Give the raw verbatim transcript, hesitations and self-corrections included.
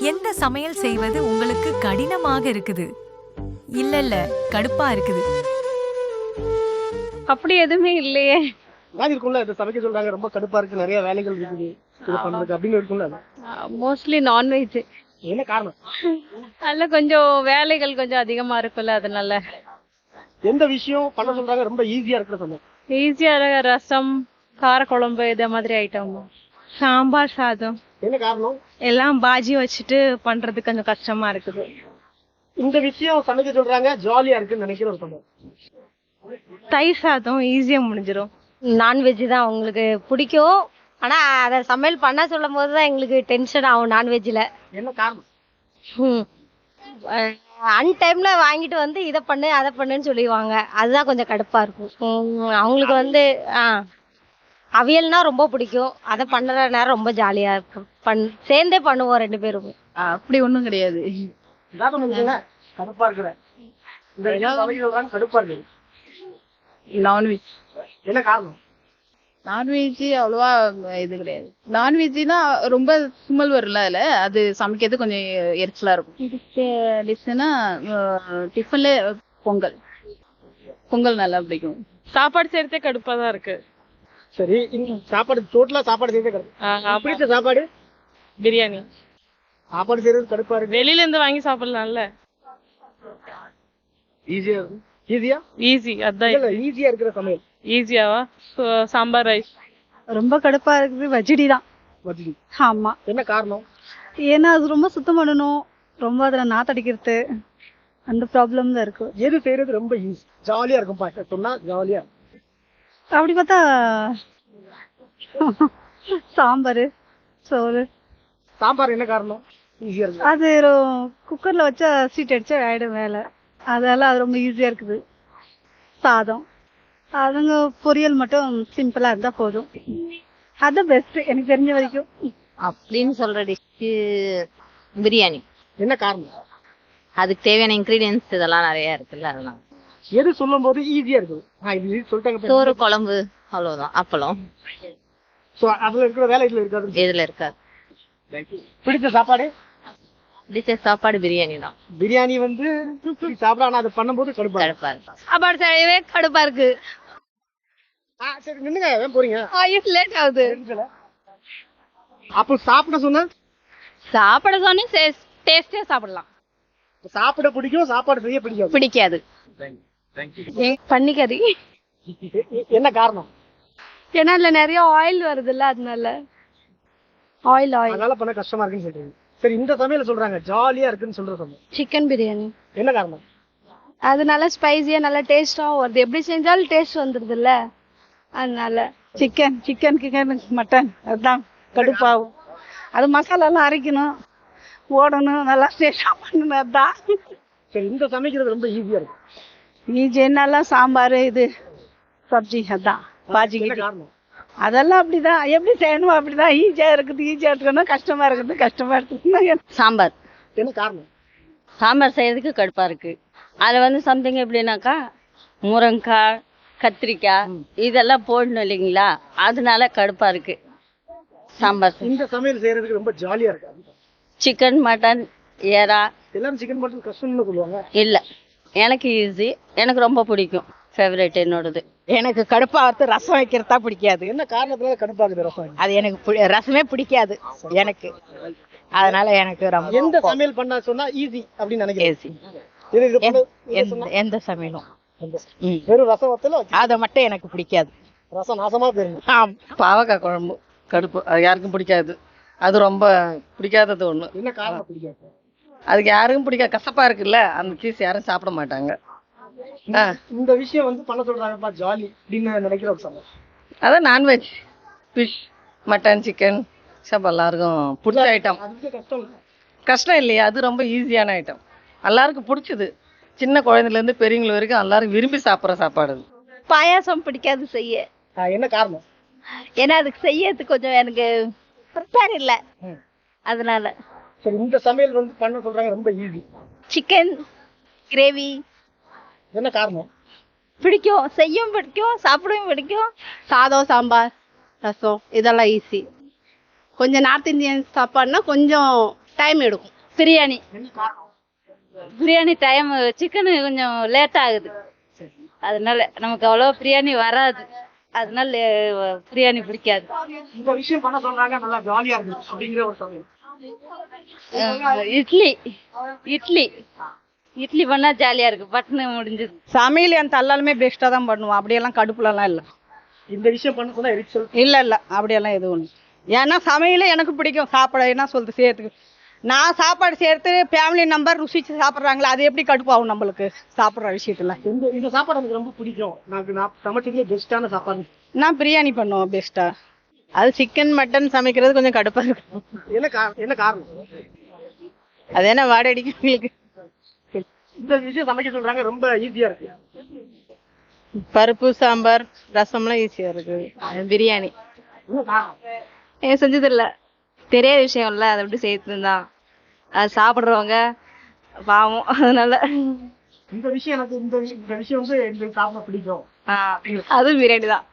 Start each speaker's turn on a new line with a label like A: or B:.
A: எந்த சமையல் செய்வது உங்களுக்கு கடினமாக இருக்குது? இல்ல இல்ல கடுப்பா இருக்குது.
B: அப்படி எதுவுமே இல்லையே.
C: மாதிரி இருக்கும்ல, இது சமைக்க சொல்றாங்க ரொம்ப கடுப்பா இருக்கு, நிறைய வேலைகள் இருக்குது இது பண்றதுக்கு அப்படின்னு இருக்கும்ல.
B: Mostly non veg.
C: என்ன காரணம்?
B: அதுல கொஞ்சம் வேலைகள் கொஞ்சம் அதிகமா இருக்குல்ல, அதனால.
C: எந்த விஷயம் பண்ண சொல்றாங்க ரொம்ப ஈஸியா இருக்கிற சமையல்?
B: ஈஸியா ரசம், காரக்குழம்பு இத மாதிரி ஐட்டம். சாம்பார் சாதம்.
C: என்ன காரணம்?
B: எல்லாம் பாஜி வச்சுட்டு பண்றது கொஞ்சம் கஷ்டமா இருக்குது.
C: இந்த விஷயம் சமைக்க சொல்றாங்க ஜாலியா இருக்குன்னு நினைக்கிற ஒரு சமையல்.
B: தயிர் சாதம் ஈஸியா முடிஞ்சிடும்.
D: நான்வெஜ் தான் உங்களுக்கு பிடிக்கும், ஆனா அதை சமையல் பண்ண சொல்லும் போது தான் எங்களுக்கு டென்ஷன் ஆகும் நான்வெஜ்ல.
C: என்ன காரணம்?
D: அன் டைம்ல வாங்கிட்டு வந்து இதை பண்ணு அதை பண்ணுன்னு சொல்லிடுவாங்க, அதுதான் கொஞ்சம் கடுப்பா இருக்கும். உம், அவங்களுக்கு வந்து ஆஹ் அவியல்னா ரொம்ப பிடிக்கும், அதை பண்ணுற நேரம் ரொம்ப ஜாலியா இருக்கும். பண் சேர்ந்தே பண்ணுவோம் ரெண்டு பேரும்.
B: அப்படி ஒண்ணும் கிடையாது.
C: கடுப்பா இருக்கிற இந்த விஷயம் சமைக்க சொல்றாங்க கடுப்பா இருக்கு.
B: நான்வெஜ்.
C: என்ன காரணம்?
E: நான்வெஜ் அவ்வளவா இது கிடையாது. நான்வெஜ்னா ரொம்ப சுமல் வரும்ல, அதுல அது சமைக்கிறது கொஞ்சம் எரிச்சலா இருக்கும். டிஷ்னா டிஃபன்ல பொங்கல் பொங்கல் நல்லா பிடிக்கும்.
B: சாப்பாடு செய்யறதே கடுப்பா தான் இருக்கு.
C: சரி, இந்த சாப்பாடு டோட்டலா சாப்பாடு செய்யறதே கடுப்பு. பிடிச்ச சாப்பாடு
B: பிரியாணி.
C: சாப்பாடு செய்யறது கடுப்பா இருக்கு.
B: வெளியில இருந்து வாங்கி சாப்பிடலாம்ல.
C: ஈஸியா இருக்கும். ஈஸியா
B: ஈஸி. அதான்
C: இல்ல ஈஸியா இருக்கிற சமையல்.
B: ஈஸியாவா? சாம்பார் ரைஸ்.
F: ரொம்ப கடுப்பா இருக்குது வஜ்ஜடி தான்.
C: வதக்கி.
F: ஆமா.
C: என்ன காரணம்?
F: ஏன்னா அது ரொம்ப சுத்தம் பண்ணணும், ரொம்ப அதுல நாத்தடிக்கிறது, அந்த ப்ராப்ளம் தான் இருக்கு.
C: எது செய்யறது ரொம்ப ஈஸி ஜாலியா இருக்கும் பாக்க சொன்னா ஜாலியா?
F: அப்படி பார்த்தா சாம்பார் சோறு.
C: சாம்பார் என்ன காரணம் ஈஸியா இருக்கு?
F: அது குக்கர்ல வச்சா சீட் அடிச்சா ஆயிடும் வேலை, அதெல்லாம் அது ரொம்ப ஈஸியா இருக்குது. சாதம் அதுங்க பொரியல் மட்டும் சிம்பிளா இருந்தா போதும், அது பெஸ்ட் எனக்கு தெரிஞ்ச வரைக்கும்.
D: அப்படின்னு சொல்ற டிஷ் பிரியாணி.
C: என்ன காரணம்?
D: அதுக்கு தேவையான இன்கிரீடியன்ஸ் இதெல்லாம் நிறைய இருக்குல்ல, அதெல்லாம்.
C: எது சொல்லும் போது ஈஸியா இருக்கும்? இது சொல்லிட்டாங்க.
D: சோறு குழம்பு அவ்வளவுதான், அப்பளம்
C: சோ அதுல இருக்கிற வேலை இதுல இருக்காது.
D: இதுல இருக்காது.
C: பிடிச்ச சாப்பாடு?
D: பிடிச்ச சாப்பாடு பிரியாணி தான்.
C: பிரியாணி வந்து சாப்பிட, ஆனா அதை பண்ணும்போது கடுப்பா
D: கடுப்பா இருக்கும். சாப்பாடு செய்யவே கடுப்பா இருக்கு.
C: சரி நின்னுங்க, ஏன் போறீங்க?
D: லேட் ஆகுது.
C: அப்ப சாப்பிட சொன்ன
D: சாப்பிட சொன்னே டேஸ்டே சாப்பிடலாம்.
C: சாப்பிட பிடிக்கும், சாப்பாடு செய்ய பிடிக்கும்.
D: பிடிக்காது.
F: பன்னிக்கறி.
C: என்ன காரணம்?
F: ஏன்னா அதுல நிறைய ஆயில் வருதுல்ல, அதனால ஆயில் ஆயில்
C: அதனால பண்ண கஷ்டமா இருக்குன்னு சொல்றீங்க. சரி, இந்த சமையல சொல்றாங்க ஜாலியா இருக்குன்னு சொல்ற சமையல்
F: சிக்கன் பிரியாணி.
C: என்ன காரணம்?
F: அது நல்லா ஸ்பைசியா நல்லா டேஸ்டாவும் வருது, எப்படி செஞ்சாலும் டேஸ்ட் வந்துருது இல்ல, அதனால. சிக்கன் சிக்கன் சிக்கன் மட்டன் அதுதான் கடுப்பாகும். அது மசாலா எல்லாம் அரைக்கணும், ஓடணும், நல்லா டேஸ்டா பண்ணணும், அதுதான்.
C: சரி, இந்த சமைக்கிறது ரொம்ப ஈஸியா இருக்கு.
F: ஈஜி என்னெல்லாம் சாம்பார் இது சப்ஜி அதான் பாஜி.
C: என்ன காரணம்?
F: அதெல்லாம் அப்படிதான், எப்படி செய்யணும் அப்படிதான். ஈஸியா இருக்குது ஈஸியா இருக்கணும், கஷ்டமா இருக்குது கஷ்டமா இருக்குது.
D: சாம்பார்.
C: என்ன காரணம்?
D: சாம்பார் செய்யறதுக்கு கடுப்பா இருக்கு. அதுல வந்து சம்திங் எப்படின்னாக்கா முருங்கைக்காய், கத்திரிக்காய் இதெல்லாம் போடணும் இல்லைங்களா, அதனால கடுப்பா இருக்கு சாம்பார்.
C: இந்த சமையல் செய்யறதுக்கு ரொம்ப ஜாலியா இருக்கு.
D: சிக்கன் மட்டன் ஏரா
C: எல்லாரும் சிக்கன் மட்டன் கஷ்டம்னு சொல்லுவாங்க.
D: இல்ல, எனக்கு ஈஸி, எனக்கு ரொம்ப பிடிக்கும், ஃபேவரட் என்னோடது.
G: எனக்கு கடுப்பாகிறது ரசம் வைக்கிறதா பிடிக்காது.
C: என்ன காரணத்துல கடுப்பாகுது ரசம்?
G: அது எனக்கு ரசமே பிடிக்காது எனக்கு, அதனால எனக்கு ரொம்ப.
C: எந்த சமையல் பண்ண சொன்னா ஈஸி அப்படின்னு நினைக்கிறேன்.
G: எந்த சமையலும்
C: வெறும் ரசம் வத்தல
G: அதை மட்டும் எனக்கு பிடிக்காது.
C: ரசம் நாசமா போயிருங்க.
G: ஆம்.
H: பாவக்காய் குழம்பு கடுப்பு, அது யாருக்கும் பிடிக்காது, அது ரொம்ப பிடிக்காதது ஒண்ணு.
C: என்ன காரணம் பிடிக்காது?
H: அதுக்கு யாருக்கும் பிடிக்காது, கசப்பா இருக்குல்ல, அந்த சீஸ் யாரும் சாப்பிட மாட்டாங்க.
C: இந்த விஷயம் வந்து பண்ண சொல்றாங்கப்பா ஜாலி அப்படின்னு நினைக்கிற ஒரு சமையல்.
H: அதான் நான்வெஜ், ஃபிஷ், மட்டன், சிக்கன் சாப்பிட எல்லாருக்கும் பிடிச்ச ஐட்டம்.
C: அதுக்கு கஷ்டம்
H: கஷ்டம் இல்லையா, அது ரொம்ப ஈஸியான ஐட்டம், எல்லாருக்கும் பிடிச்சது. சின்ன குழந்தைல இருந்து பெரியவங்க வரைக்கும் எல்லாரும் விரும்பி சாப்பிட்ற சாப்பாடு.
D: பாயாசம் பிடிக்காது செய்ய.
C: என்ன காரணம்?
D: ஏன்னா அதுக்கு செய்யறதுக்கு கொஞ்சம் எனக்கு ப்ரிப்பேர் இல்லை, அதனால.
C: சரி, இந்த சமையல் வந்து பண்ண சொல்றாங்க ரொம்ப ஈஸி.
D: Chicken gravy.
C: என்ன காரணம்?
D: பிடிக்கும், செய்யும் பிடிக்கும், சாப்பிடவும் பிடிக்கும்.
F: சாதம் சாம்பார் ரசம் இதெல்லாம் ஈஸி. கொஞ்சம் நார்த் இந்தியன் சாப்பாடுனா கொஞ்சம் டைம் எடுக்கும்.
B: பிரியாணி
C: என்ன காரணம்?
B: பிரியாணி டைம் சிக்கனு கொஞ்சம் லேட் ஆகுது, அதனால நமக்கு அவ்வளோ பிரியாணி வராது, அதனால லே- பிரியாணி பிடிக்காது.
C: இந்த விஷயம் பண்ண சொல்றாங்க நல்லா ஜாலியா இருக்கு அப்படிங்கிற ஒரு சமயம்.
B: அஹ் இட்லி இட்லி இட்லி பண்ணா ஜாலியா இருக்கு, பட்னு முடிஞ்சது.
F: சமையல் என் தள்ளாலுமே பெஸ்ட்டாக தான் பண்ணுவோம். அப்படியெல்லாம் கடுப்புலலாம் இல்லை.
C: இந்த விஷயம் பண்ண சொன்னா எரிச்சல்.
F: இல்லை இல்லை அப்படியெல்லாம் எதுவும் இல்லை. ஏன்னா சமையலே எனக்கு பிடிக்கும். சாப்பாடு என்ன சொல்றது செய்யறதுக்கு. நான் சாப்பாடு செய்யறது ஃபேமிலி நம்பர் ருசிச்சு சாப்பிட்றாங்களா, அது எப்படி கடுப்பாகும் நம்மளுக்கு சாப்பிட்ற விஷயத்துல.
C: இந்த இந்த சாப்பாடு எனக்கு ரொம்ப பிடிக்கும். நான் நான் சமைச்சதுலேயே பெஸ்ட்டான சாப்பாடு.
F: நான் பிரியாணி பண்ணுவேன் பெஸ்ட்டா.
H: அது சிக்கன் மட்டன் சமைக்கிறது கொஞ்சம் கடுப்பா இருக்கும்.
C: என்ன கா- என்ன காரணம்?
H: அது என்ன வாடை அடிக்கும் உங்களுக்கு.
C: இந்த விஷயம் சமைக்க சொல்றாங்க ரொம்ப ஈஸியா இருக்கு.
H: பருப்பு சாம்பார் ரசம்லாம் ஈஸியா இருக்கு. பிரியாணி
C: என்ன காரணம்?
B: ஏன் செஞ்சது இல்ல, தெரியாத விஷயம் இல்ல, அதை எப்படி செய்யறது தான், அது சாப்பிடுறவங்க பாவம், அதனால
C: இந்த விஷயம் எனக்கு இந்த இந்த விஷயம் வந்து எனக்கு சாப்பிட பிடிக்கும்.
B: அதுவும் பிரியாணி தான்.